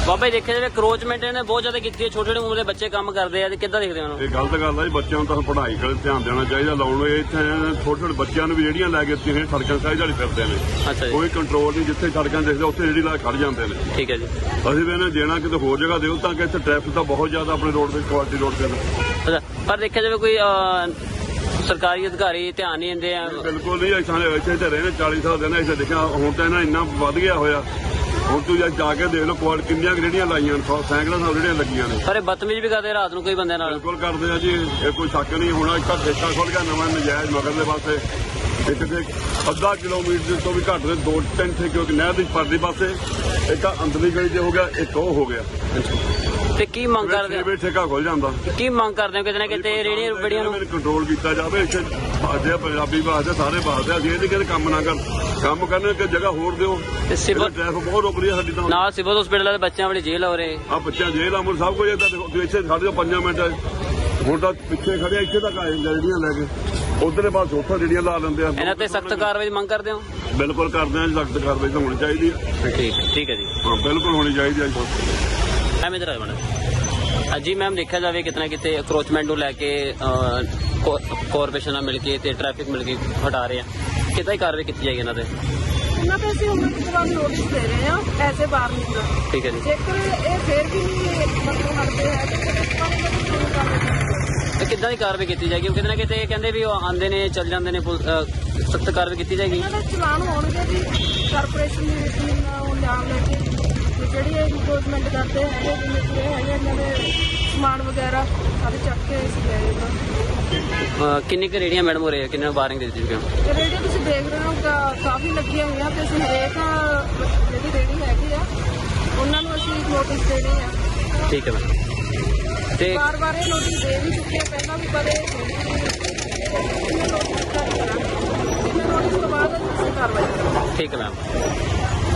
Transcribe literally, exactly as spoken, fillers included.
ਬਾਬਾ ਜੀ ਦੇਖਿਆ ਜਾਵੇ ਕਰੋਚਮੈਂਟ ਇਹਨੇ ਬਹੁਤ ਜ਼ਿਆਦਾ ਕੀਤੀ ਹੈ, ਛੋਟੇ ਛੋਟੇ ਉਮਰ ਦੇ ਬੱਚੇ ਕੰਮ ਕਰਦੇ ਆ ਤੇ ਕਿੱਦਾਂ ਦੇਖਦੇ ਹੋ? ਇਹ ਗਲਤ ਗੱਲ ਹੈ ਜੀ, ਬੱਚਿਆਂ ਨੂੰ ਤਾਂ ਪੜ੍ਹਾਈ ਕੋਲ ਧਿਆਨ ਦੇਣਾ ਚਾਹੀਦਾ। ਲਾਉਣ ਨੂੰ ਇੱਥੇ ਛੋਟੇ ਛੋਟੇ ਬੱਚਿਆਂ ਨੂੰ ਵੀ ਜਿਹੜੀਆਂ ਲੈ ਕੇ ਇੱਥੇ ਸੜਕਾਂ ਸਾਈਡ ਵਾਲੀ ਫਿਰਦੇ ਨੇ, ਅੱਛਾ ਜੀ, ਕੋਈ ਕੰਟਰੋਲ ਨਹੀਂ। ਜਿੱਥੇ ਸੜਕਾਂ ਦੇਖਦੇ ਉੱਥੇ ਜਿਹੜੀ ਲਾ ਖੜ ਜਾਂਦੇ ਨੇ। ਠੀਕ ਹੈ ਜੀ। ਅਸੀਂ ਵੀ ਇਹਨੇ ਦੇਣਾ ਕਿਤੇ ਹੋਰ ਜਗ੍ਹਾ ਦਿਓ ਤਾਂ ਕਿ ਇੱਥੇ ਟ੍ਰੈਫਿਕ ਤਾਂ ਬਹੁਤ ਜ਼ਿਆਦਾ ਆਪਣੇ ਰੋਡ ਤੇ ਕੁਆਲਿਟੀ ਰੋਡ ਤੇ। ਅੱਛਾ, ਪਰ ਦੇਖਿਆ ਜਾਵੇ ਕੋਈ ਸਰਕਾਰੀ ਅਧਿਕਾਰੀ ਧਿਆਨ ਨਹੀਂ ਦਿੰਦੇ ਆ? ਬਿਲਕੁਲ ਨਹੀਂ। ਇੱਥੇ ਇੱਥੇ ਤੇ ਰਹੇ ਨੇ ਚਾਲੀ ਸਾਲ ਦੇ ਨੇ, ਇੱਥੇ ਦੇਖਿਆ ਹੁਣ ਤਾਂ ਇਹਨਾਂ ਇੰਨਾ ਵੱਧ ਗਿਆ ਹੋਇਆ। ਹੁਣ ਤੂੰ ਜਾ ਕੇ ਦੇਖ ਲਓ ਕੁਆਲ ਕਿੰਨੀਆਂ ਰੇਹੜੀਆਂ ਲਾਈਆਂ ਨੇ, ਸੈਂਕੜਾਂ ਸਾਲ ਰੇਹੜੀਆਂ ਲੱਗੀਆਂ ਨੇ। ਪਰ ਇਹ ਬਦਤਮੀਜ਼ ਵੀ ਕਰਦੇ ਰਾਤ ਨੂੰ ਕੋਈ ਬੰਦੇ ਨਾਲ? ਬਿਲਕੁਲ ਕਰਦੇ ਆ ਜੀ, ਇਹ ਕੋਈ ਸ਼ੱਕ ਨਹੀਂ। ਹੁਣ ਇੱਕ ਠੇਕਾ ਖੁੱਲ ਗਿਆ ਨਵਾਂ ਨਜਾਇਜ਼ ਮਗਰਲੇ ਪਾਸੇ, ਇੱਕ ਤੇ ਅੱਧਾ ਕਿਲੋਮੀਟਰ ਤੋਂ ਵੀ ਘੱਟ ਦੇ ਦੋ ਤਿੰਨ ਠੇਕੇ ਨਹਿਰ ਦੀ ਪਰਲੀ ਪਾਸੇ, ਇੱਕ ਅੰਦਰਲੀ ਗਲੀ 'ਚ ਹੋ ਗਿਆ, ਇੱਕ ਉਹ ਹੋ ਗਿਆ। ਤੇ ਕੀ ਮੰਗ ਕਰਦੇ ਹੋ? ਠੇਕਾ ਖੁੱਲ ਜਾਂਦਾ। ਕੀ ਮੰਗ ਕਰਦੇ ਹੋ ਕਿਤੇ ਨਾ ਕਿਤੇ ਰੇਹੜੀਆਂ ਰੁਪੜੀਆਂ ਨੂੰ ਕੰਟਰੋਲ ਕੀਤਾ ਜਾਵੇ। ਇੱਥੇ ਬਾਜੇ ਪੰਜਾਬੀ ਬਾਜੇ ਸਾਰੇ ਬਾਜਦੇ, ਅਸੀਂ ਇਹ ਨਹੀਂ ਕਹਿੰਦੇ ਕੰਮ ਨਾ ਕਰ, ਕੰਮ ਕਰਨ ਕਿ ਜਗ੍ਹਾ ਹੋਰ ਦਿਓ। ਤੇ ਸਿਵਲ ਟ੍ਰੈਫਿਕ ਬਹੁਤ ਰੁਕ ਰਹੀ ਹੈ ਸਾਡੀ ਤਾਂ। ਨਾਲ ਸਿਵਲ ਹਸਪੀਟਲ ਦੇ ਬੱਚਿਆਂ ਵਾਲੀ ਜੇਲ੍ਹ ਹੋ ਰਹੇ ਆ, ਬੱਚਿਆਂ ਜੇਲ੍ਹ ਆ, ਮੁਰ ਸਭ ਕੁਝ ਇੱਦਾਂ ਦੇਖੋ। ਇੱਥੇ ਸਾਡੇ ਤੋਂ ਪੰਜਾਂ ਮਿੰਟ ਹੁਣ ਤਾਂ ਪਿੱਛੇ ਖੜਿਆ, ਇੱਥੇ ਤੱਕ ਆਏ ਜਿਹੜੀਆਂ ਲੈ ਕੇ ਉਧਰਲੇ ਪਾਸ ਉੱਥੋਂ ਜਿਹੜੀਆਂ ਲਾ ਲੈਂਦੇ ਆ। ਇਹਨਾਂ ਤੇ ਸਖਤ ਕਾਰਵਾਈ ਦੀ ਮੰਗ ਕਰਦੇ ਹੋ? ਬਿਲਕੁਲ ਕਰਦੇ ਆ, ਸਖਤ ਕਾਰਵਾਈ ਤਾਂ ਹੋਣੀ ਚਾਹੀਦੀ ਹੈ। ਠੀਕ ਠੀਕ ਹੈ ਜੀ, ਹਾਂ ਬਿਲਕੁਲ ਹੋਣੀ ਚਾਹੀਦੀ ਹੈ। ਮੈਮ ਇਧਰ ਆਏ ਮੈਡਮ। ਹਾਂਜੀ ਮੈਮ, ਦੇਖਿਆ ਜਾਵੇ ਕਿਤਨਾ ਕਿਤੇ ਅਕਰੋਚਮੈਂਟ ਨੂੰ ਲੈ ਕੇ ਕਾਰਪੋਰੇਸ਼ਨ ਨਾਲ ਮਿਲ ਕੇ ਤੇ ਟ੍ਰੈਫਿਕ ਮਿਲ ਕੇ ਹਟਾ ਰਹੇ ਆ, ਕਿੱਦਾਂ ਹੀ ਕਾਰਵਾਈ ਕੀਤੀ ਜਾਏਗੀ ਇਹਨਾਂ ਤੇ? ਇਹਨਾਂ ਤੇ ਅਸੀਂ ਉਹਨਾਂ ਤੋਂ ਬਾਅਦ ਨੋਟਿਸ ਦੇ ਰਹੇ ਹਾਂ ਐਜ਼ ਏ ਵਾਰਨਿੰਗ ਦਾ। ਠੀਕ ਹੈ ਜੀ। ਜੇਕਰ ਇਹ ਫੇਰ ਵੀ ਨਹੀਂ ਮਤਲਬ ਹਟਦੇ ਹੈ ਤੇ ਕਿੱਦਾਂ ਦੀ ਕਾਰਵਾਈ ਕੀਤੀ ਜਾਏਗੀ? ਕਿਤੇ ਨਾ ਕਿਤੇ ਕਹਿੰਦੇ ਵੀ ਉਹ ਆਉਂਦੇ ਨੇ ਚੱਲ ਜਾਂਦੇ ਨੇ, ਸਖਤ ਕਾਰਵਾਈ ਕੀਤੀ ਜਾਏਗੀ? ਇਹਨਾਂ ਦੇ ਚਲਾਨ ਹੋਣਗੇ ਜੀ ਕਾਰਪੋਰੇਸ਼ਨ ਦੀ ਰੀਟਿੰਗ ਉਹ ਨਾਮ ਲੈ ਕੇ, ਤੇ ਜਿਹੜੀ ਇਹ ਇਨਕਰੋਚਮੈਂਟ ਕਰਦੇ ਹੈਗੇ ਜਿਵੇਂ ਕਿ ਇਹ ਹੈਗੇ ਇਹਨਾਂ ਦੇ ਸਮਾਨ ਵਗੈਰਾ ਸਾਰੇ ਚੱਕ ਕੇ ਅਸੀਂ ਲੈ ਜਾਏਗਾ। ਕਿੰਨੀ ਕੁ ਰੇਹੜੀਆਂ ਮੈਡਮ ਹੋ ਰਹੇ ਆ, ਕਿੰਨੇ ਵਾਰਨਿੰਗ ਦੇ ਦਿੱਤੀ ਗਈ? ਤੇ ਰੇਹੜੀਆਂ ਤੁਸੀਂ ਦੇਖ ਰਹੇ ਹੋ ਕਾਫੀ ਲੱਗੀਆਂ ਹੋਈਆਂ, ਤੇ ਅਸੀਂ ਹਰੇਕ ਜਿਹੜੀ ਰੇਹੜੀ ਹੈਗੀ ਆ ਉਹਨਾਂ ਨੂੰ ਅਸੀਂ ਨੋਟਿਸ ਦੇ ਰਹੇ ਹਾਂ। ਠੀਕ ਹੈ ਮੈਮ। ਤੇ ਵਾਰ ਵਾਰ ਇਹ ਨੋਟਿਸ ਦੇ ਵੀ ਚੁੱਕੇ ਪਹਿਲਾਂ ਵੀ, ਕਦੇ ਨੋਟਿਸ ਤੋਂ ਬਾਅਦ ਅਸੀਂ ਕਾਰਵਾਈ ਕਰਾਂਗੇ। ਠੀਕ ਹੈ ਮੈਮ।